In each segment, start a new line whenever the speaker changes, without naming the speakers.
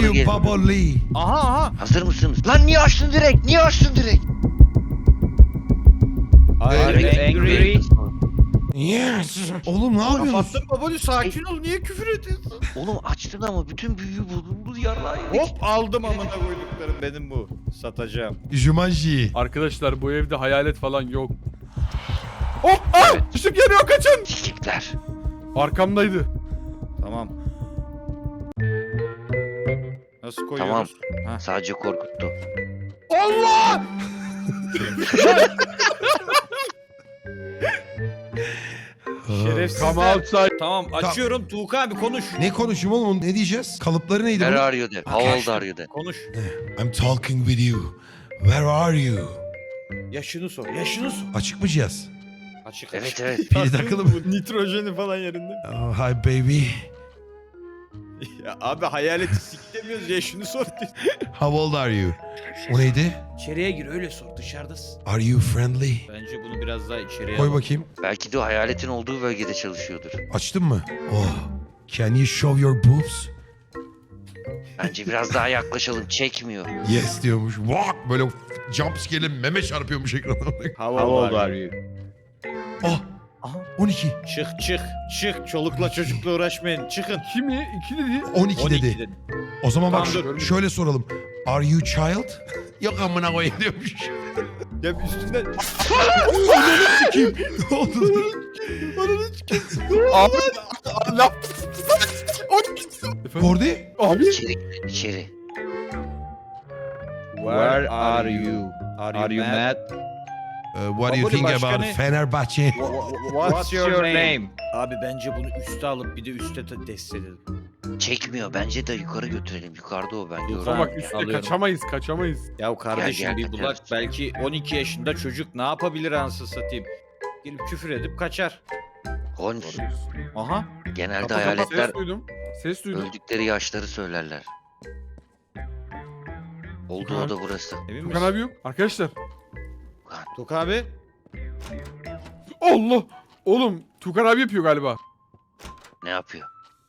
you
gel.
Baba Lee?
Aha.
Hazır mısınız? Lan niye açtın direkt? Niye açtın direkt?
I'm angry.
Yes. Oğlum ne yapıyorsun?
Kapattın babacı, sakin ol, niye küfür ediyorsun?
Oğlum açtın ama bütün büyüyü bozuldu yarrağı yedik.
Hop aldım amına koyduklarım, benim bu. Satacağım.
Jumanji.
Arkadaşlar bu evde hayalet falan yok. Hop! Ah! Işık yanıyor, kaçın!
Sikikler.
Arkamdaydı.
Tamam. Nasıl koyuyoruz?
Tamam. Sadece korkuttu.
Allah!
Şerefsizler.
Come outside.
Tamam, açıyorum. Tuğka abi konuş.
Ne konuşayım oğlum? Ne diyeceğiz? Kalıpları neydi
Where
bunun?
are you de. How old are you de.
Konuş.
I'm talking with you. Where are you?
Yaşını sor, yaşını sor.
Açık mı cihaz?
Açık
Evet
açık.
evet.
Pili takılı mı?
Bu nitrojeni falan yerinde.
Oh, hi baby.
Ya abi hayaleti siklemiyoruz, yaşını sor.
How old are you? O neydi?
İçeriye gir, öyle sor, dışarıdasın.
Are you friendly?
Bence bunu biraz daha içeriye
Koy
al.
bakayım.
Belki de o hayaletin olduğu bölgede çalışıyordur.
Açtın mı? Oh. Can you show your boobs?
Bence biraz daha yaklaşalım. Çekmiyor.
Yes diyormuş. Walk böyle jump scare'le meme çarpıyormuş ekrana.
How old are you?
Oh.
Aha.
12.
Çık. Çolukla çocukla uğraşmayın. Çıkın.
Kim ya? 2 dedi.
12 dedi. O zaman bak
Tamam, dur.
şöyle soralım. Are you child? Yok amına koyayım diyormuş.
Ya bir üstünden...
Ne oldu?
Abi. Allah. Efendim?
Kordi?
Abi.
İçeri girin, içeri.
Where are you? Are you mad?
What do you
Baboli
think about
başkanı-
Fenerbahçe?
What's your name? Abi bence bunu üste alıp bir de üste test edelim.
Çekmiyor. Bence de yukarı götürelim. Yukarıda o bence.
Yukarı.
Ama
Orada.
bak üstte
Alıyorum.
kaçamayız.
Ya kardeşim
Gel,
bir bulak,
evet.
belki 12 yaşında çocuk ne yapabilir anasını satayım? Gelip küfür edip kaçar.
Holmes.
Aha.
Genelde
Kapat,
hayaletler
Ses duydum.
öldükleri yaşları söylerler. Olduğu
Tukan.
oda burası.
Emin
Tukan
misin?
abi yok. Arkadaşlar.
Tuk abi.
Allah. Oğlum Tukan abi yapıyor galiba.
Ne yapıyor?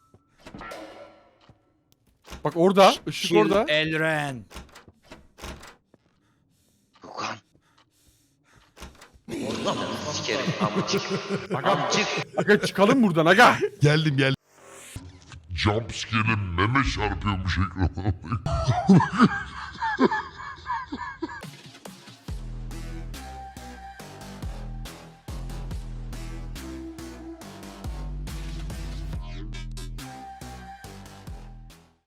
Bak orada. Işık orada.
Elren.
Yukan. Oğlum sikerim amcık.
Aga,
Amcık.
aga çıkalım buradan aga.
Geldim.
Jumpscare'le meme çarpıyormuş ekrana.